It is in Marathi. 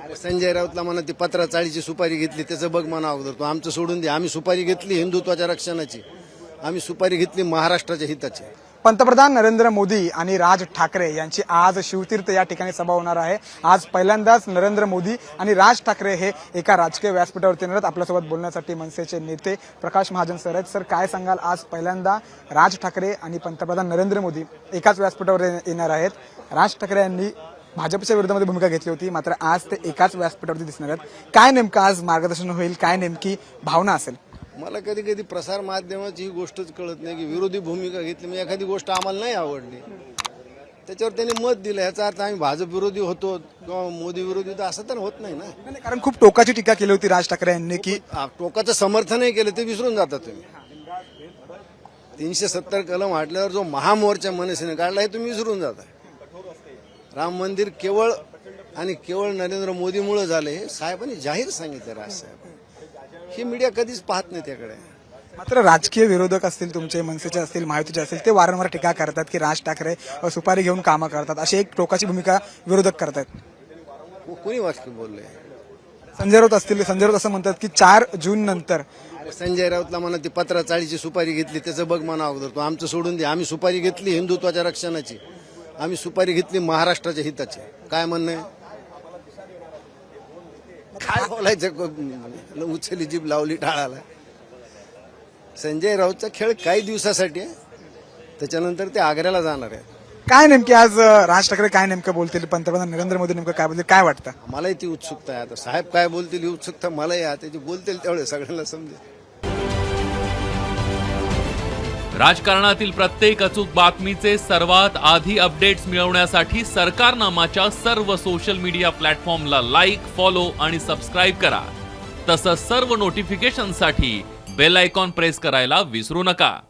संजय राऊतला म्हणा ती 15-40ची सुपारी घेतली त्याचं बघ म्हणा अगोदर तो आमचं सोडून दे. आम्ही सुपारी घेतली हिंदुत्वाच्या रक्षणाची, आम्ही सुपारी घेतली महाराष्ट्राच्या हिताची. पंतप्रधान नरेंद्र मोदी आणि राज ठाकरे यांची आज शिवतीर्थ या ठिकाणी सभा होणार आहे. आज पहिल्यांदाच नरेंद्र मोदी आणि राज ठाकरे हे एका राजकीय व्यासपीठावरती येणार आहेत. आपल्यासोबत बोलण्यासाठी मनसेचे नेते प्रकाश महाजन सर आहेत. सर, काय सांगाल, आज पहिल्यांदा राज ठाकरे आणि पंतप्रधान नरेंद्र मोदी एकाच व्यासपीठावर येणार आहेत. राज ठाकरे यांनी भाजपच्या विरोधामध्ये भूमिका घेतली होती, मात्र आज ते एकाच व्यासपीठावरती दिसणार आहेत. काय नेमकं आज मार्गदर्शन होईल, काय नेमकी भावना असेल? मला कधी कधी प्रसार माध्यमाची ही गोष्टच कळत नाही की विरोधी भूमिका घेतली म्हणजे एखादी गोष्ट आम्हाला नाही आवडली त्याच्यावर त्यांनी मत दिलं. याचा अर्थ आम्ही भाजप विरोधी होतो किंवा मोदी विरोधी होतो असं तर होत नाही ना. कारण खूप टोकाची टीका केली होती राज ठाकरे यांनी की टोकाचं समर्थनही केलं ते विसरून जाता तुम्ही. 370 कलम हाटल्यावर जो महामोर्चा मनसेने काढला हे तुम्ही विसरून जाता. राम मंदिर केवळ आणि केवळ नरेंद्र मोदीमुळे झालं हे साहेबांनी जाहीर सांगितलं. राजसाहेब ही मीडिया कधीच पाहत नाही त्याकडे. मात्र राजकीय विरोधक असतील, तुमचे मनसेचे असतील, महायुतीचे असतील, ते वारंवार टीका करतात की राज ठाकरे सुपारी घेऊन कामं करतात, अशी एक टोकाची भूमिका विरोधक करतात. कोणी वाक्य बोलले? संजय राऊत असतील, संजय राऊत असं म्हणतात की 4 जून नंतर संजय राऊतला म्हणा ती 15-40ची सुपारी घेतली त्याचं बघ म्हणा अगोदर तो आमचं सोडून दे. आम्ही सुपारी घेतली हिंदुत्वाच्या रक्षणाची, आम्ही सुपारी घेतली महाराष्ट्राच्या हिताची. काय म्हणणं आहे? काय बोलायचं? उचली जीभ लावली टाळाला. संजय राऊतचा खेळ काही दिवसासाठी आहे, त्याच्यानंतर ते आग्र्याला जाणार आहे. काय नेमके आज राज ठाकरे काय नेमकं बोलतील, पंतप्रधान नरेंद्र मोदी नेमकं काय बोलतील, काय वाटतं? मलाही ती उत्सुकता आहे. आता साहेब काय बोलतील ही उत्सुकता मलाही आहे. त्याची बोलतील तेवढे सगळ्यांना समजेल. राजकारणातील प्रत्येक अचूक बातमीचे सर्वात आधी अपडेट्स मिळवण्यासाठी सरकारनामाच्या सर्व सोशल मीडिया प्लॅटफॉर्मला लाईक, फॉलो आणि सबस्क्राईब करा. तसंच सर्व नोटिफिकेशनसाठी बेल आयकॉन प्रेस करायला विसरू नका.